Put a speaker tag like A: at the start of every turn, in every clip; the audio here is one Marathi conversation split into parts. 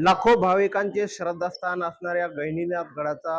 A: लाखो भाविकांचे श्रद्धास्थान असणाऱ्या गहिनीनाथ गडाचा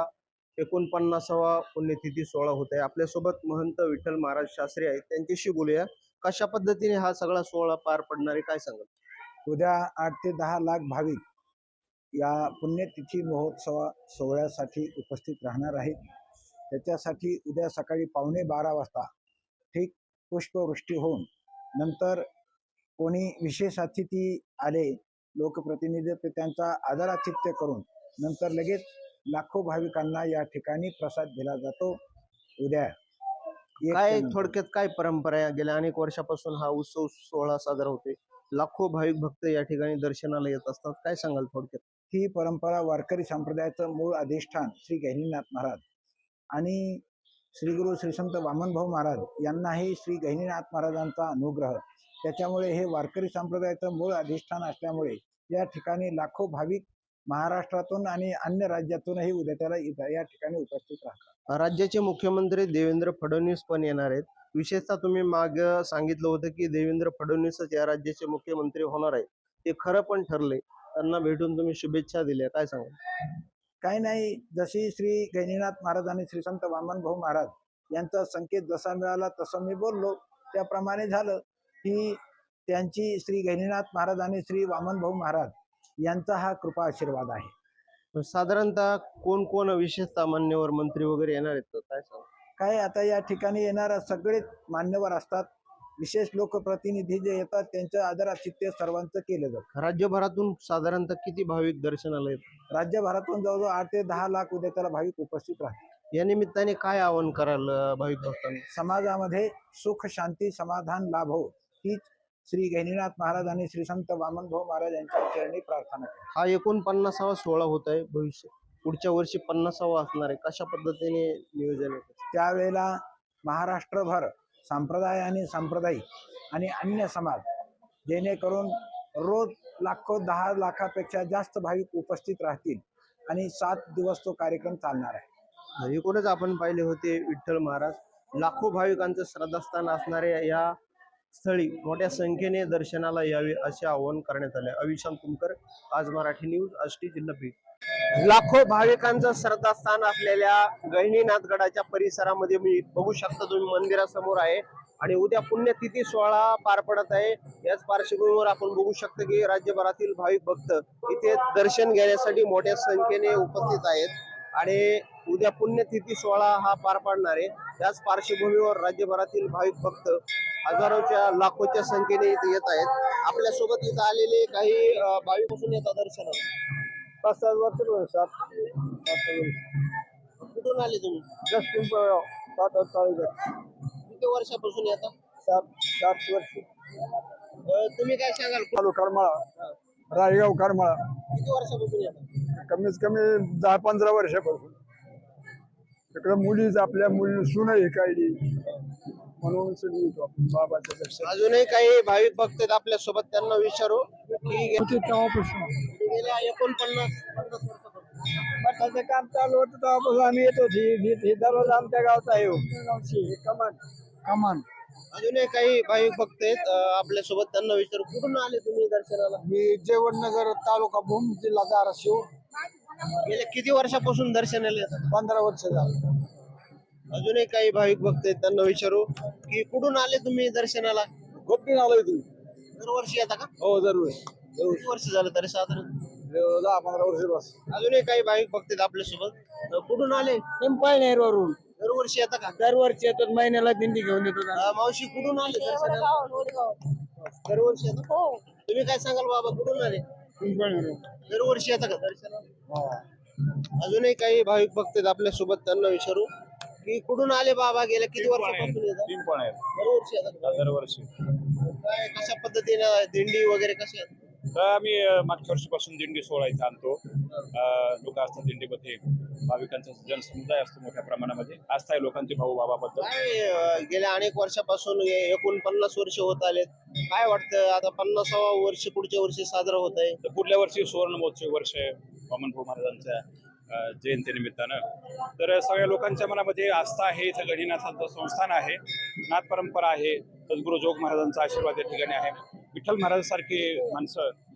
A: 49वा पुण्यतिथी सोहळा होत आहे। आपल्यासोबत महंत विठ्ठल महाराज शास्त्री आहेत, त्यांच्याशी बोलूया। कशा पद्धतीने हा सगळा सोहळा पार पडणार आहे, काय सांगाल?
B: उद्या 8 ते 10 लाख भाविक या पुण्यतिथी महोत्सव सोहळ्यासाठी उपस्थित राहणार आहेत। त्याच्यासाठी उद्या सकाळी 11:15 वाजता ठीक पुष्पवृष्टी होऊन नंतर कोणी विशेष अतिथी आले लोकप्रतिनिधी तर त्यांचा आदरातिथ्य करून नंतर लगेच लाखो भाविकांना या ठिकाणी प्रसाद दिला जातो। उद्या
A: काय थोडक्यात काय परंपरा आहे? गेल्या अनेक वर्षापासून हा उत्सव सोहळा साजरा होतोय। लाखो भाविक भक्त या ठिकाणी दर्शनाला येत असतात, काय सांगाल थोडक्यात?
B: ही परंपरा वारकरी संप्रदायाचं मूळ अधिष्ठान श्री गहिनीनाथ महाराज आणि श्री गुरु श्री संत वामनभाऊ महाराज यांनाही श्री गहिनीनाथ महाराजांचा अनुग्रह, त्याच्यामुळे हे वारकरी संप्रदायाचं मूळ अधिष्ठान असल्यामुळे या ठिकाणी लाखो भाविक महाराष्ट्रातून आणि अन्य राज्यातूनही उद्या त्याला या ठिकाणी उपस्थित राहतात।
A: राज्याचे मुख्यमंत्री देवेंद्र फडणवीस पण येणार आहेत। विशेषतः तुम्ही माग सांगितलं होतं की देवेंद्र फडणवीसच या राज्याचे मुख्यमंत्री होणार आहे, ते खरं पण ठरले। त्यांना भेटून तुम्ही शुभेच्छा दिल्या, काय सांगाल?
B: काही नाही, जशी श्री गहिनीनाथ महाराज आणि श्री संत वामनभाऊ महाराज यांचा संकेत जसा मिळाला तसं मी बोललो, त्याप्रमाणे झालं की त्यांची श्री गहिनीनाथ महाराज आणि श्री वामनभाऊ महाराज यांचा हा कृपा आशीर्वाद आहे।
A: साधारणतः कोण कोण विशेषतः मान्यवर मंत्री वगैरे येणार आहेत, काय सांगाल?
B: काय आता या ठिकाणी येणारा सगळेच मान्यवर असतात। विशेष लोकप्रतिनिधी जे येतात त्यांचं आदरातिथ्य सर्वांचं केलं जातं।
A: राज्यभरातून साधारणतः किती भाविक दर्शनाला येतात?
B: राज्यभरातून जवळजवळ 8 ते 10 लाख उद्या त्याला भाविक उपस्थित राहतात।
A: या निमित्ताने काय आवाहन कराल भाविक भक्तांना?
B: समाजामध्ये सुख शांती समाधान लाभो हीच श्री गहिनीनाथ महाराज आणि श्री संत वामनभाऊ महाराज यांच्या चरणी प्रार्थना करतो।
A: हा 49वा सोहळा होत आहे, भविष्य पुढच्या वर्षी 50वा असणार आहे, कशा पद्धतीने नियोजन आहे?
B: त्यावेळेला महाराष्ट्रभर संप्रदाय आणि सांप्रदायिक आणि अन्य समाज जेणेकरून रोज लाखो 10 लाखापेक्षा जास्त भाविक उपस्थित राहतील आणि 7 दिवस तो कार्यक्रम चालणार आहे।
A: एकूणच आपण पाहिले होते विठ्ठल महाराज लाखो भाविकांचं श्रद्धास्थान असणाऱ्या या स्थळी मोठ्या संख्येने दर्शनाला यावे असे आवाहन करण्यात आले। अविशांत तुमकर, आज मराठी न्यूज, आष्टी, जिल्हा बीड। लाखो भाविकांचं श्रद्धास्थान असलेल्या गहिनीनाथ गडाच्या परिसरामध्ये मी बघू शकता, तुम्ही मंदिरासमोर आहे आणि उद्या पुण्यतिथी सोहळा पार पडत आहे। याच पार्श्वभूमीवर आपण बघू शकतो की राज्यभरातील भाविक भक्त इथे दर्शन घेण्यासाठी मोठ्या संख्येने उपस्थित आहेत आणि उद्या पुण्यतिथी सोहळा हा पार पाडणार आहे। त्याच पार्श्वभूमीवर राज्यभरातील भाविक भक्त हजारोच्या लाखोच्या संख्येने इथे येत आहेत। आपल्या सोबत इथे आलेले काही भाविक पासून येतात दर्शनाला।
B: 5-7 वर्ष
A: कुठून आले तुम्ही? किती वर्षापासून येतात?
B: 7 वर्ष।
A: तुम्ही काय सांगाल?
B: करमाळा, रायगाव करमाळा।
A: किती वर्षापासून येतात?
B: कमीत कमी 10-15 वर्षापासून। तिकडे मुलीच आपल्या मुली सुनही काढली म्हणून बाबाच्या दर्शन।
A: अजूनही काही भाविक भक्त आहेत आपल्या सोबत, त्यांना विचारू की गेल्या 49-50
B: मठाचं काम चालू होतं तेव्हापासून आम्ही येतो। ही दररोज आमच्या गावचा आहे कमान।
A: अजूनही काही भाविक भक्त आहेत आपल्या सोबत, त्यांना विचारू कुठून आले तुम्ही दर्शनाला?
B: मी जेवणनगर, तालुका भूम, जिल्हा धाराशिव।
A: गेल्या किती वर्षापासून दर्शनाला येतात?
B: 15 वर्ष झालं।
A: अजूनही काही भाविक भक्त आहेत, त्यांना विचारू की कुठून आले तुम्ही दर्शनाला?
B: गोपीन आलोय तुम्ही?
A: दरवर्षी येता का?
B: हो, दरवेळेस।
A: किती वर्ष झालं तरी साधारण?
B: 10-15 वर्ष बस।
A: अजूनही काही भाविक भक्त आहेत आपल्या सोबत, कुठून आले?
B: पिंपळनेरवरून
A: दरवर्षी येता का?
B: दरवर्षी येतात, महिन्याला दिंडी घेऊन येतो।
A: मावशी कुठून आले दर्शनाला? दरवर्षी येतात? तुम्ही काय सांगाल बाबा, कुठून आले? दरवर्षी येता का दर्शनाला? अजूनही काही भाविक भक्त आहेत आपल्या सोबत, त्यांना विचारू की कुठून आले बाबा, गेल्या किती वर्षापासून येतात? दरवर्षी येतात का?
C: दरवर्षी।
A: काय कशा पद्धतीने दिंडी वगैरे कशी आहे?
C: आम्ही मागच्या वर्षीपासून दिंडी सोहळा इथं आणतो। लोक असतात दिंडीमध्ये, भाविकांचा जनसमुदाय असतो मोठ्या प्रमाणामध्ये, आस्था आहे लोकांची भाऊ बाबाबद्दल।
A: काय गेल्या अनेक वर्षापासून 49 वर्ष होत आलेत, काय वाटतं आता 50वा वर्ष पुढच्या वर्षी साजरा होत आहे?
C: तर पुढल्या वर्षी सुवर्ण महोत्सव वर्ष आहे वामनभाऊ महाराजांच्या जयंतीनिमित्तानं। तर सगळ्या लोकांच्या मनामध्ये आस्था आहे, इथं गहिनीनाथांचं संस्थान आहे, नाथ परंपरा आहे, सद्गुरू जोग महाराजांचा आशीर्वाद या ठिकाणी आहे। विठ्ठल महाराजांसारखी माणसं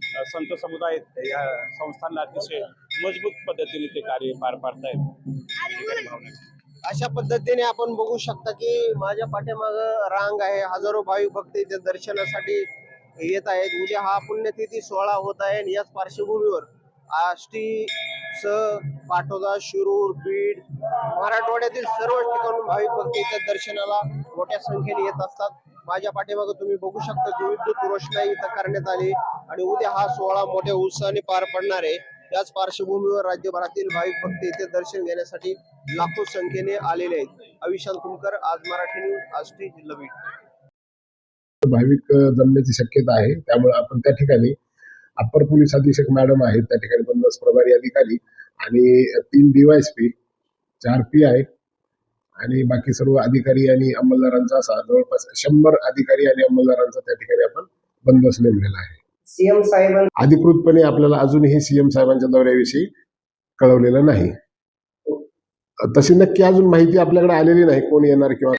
C: संत समुदाय या संस्थांना अतिशय मजबूत पद्धतीने ते कार्य पार पाडतायत.
A: अशा पद्धतीने आपण बघू शकता की माझ्या पाठीमाग रांग आहे, हजारो भाविक भक्त इथे दर्शनासाठी येत आहेत. उद्या हा पुण्यतिथी सोहळा होत आहे आणि याच पार्श्वभूमीवर आष्टी पाटोदा, शिरूर, बीड, मराठवाड्यातील सर्व ठिकाणून भाविक भक्त इथे दर्शनाला मोठ्या संख्येने येत असतात. माझ्या पाठीमागे तुम्ही बघू शकता की विद्युत रोषणाई इथं करण्यात आली आणि उद्या हा सोहळा मोठ्या उत्साहाने पार पडणार आहे. याच पार्श्वभूमीवर राज्यभरातील भाविक भक्त इथे दर्शन घेण्यासाठी लाखो संख्येने आलेले आहेत. अविशांत कुमकर, आज मराठी न्यूज, आष्टी, जिल्हा बीड.
D: भाविक जमण्याची शक्यता आहे, त्यामुळे आपण त्या ठिकाणी अप्पर पोलीस अधीक्षक मॅडम आहेत, त्या ठिकाणी बंदोबस्त प्रभारी अधिकारी आणि 3 DYSP, 4 PI आणि बाकी सर्व अधिकारी आणि अंमलदारांचा असा जवळपास 100 अधिकारी आणि अंमलदारांचा त्या ठिकाणी आपण बंदोबस्त नेमलेला आहे.
A: सीएम साहेब
D: अधिकृतपणे आपल्याला अजूनही CM साहेबांच्या दौऱ्याविषयी कळवलेलं नाही. तशी नक्की अजून माहिती आपल्याकडे आलेली नाही, कोण येणार किंवा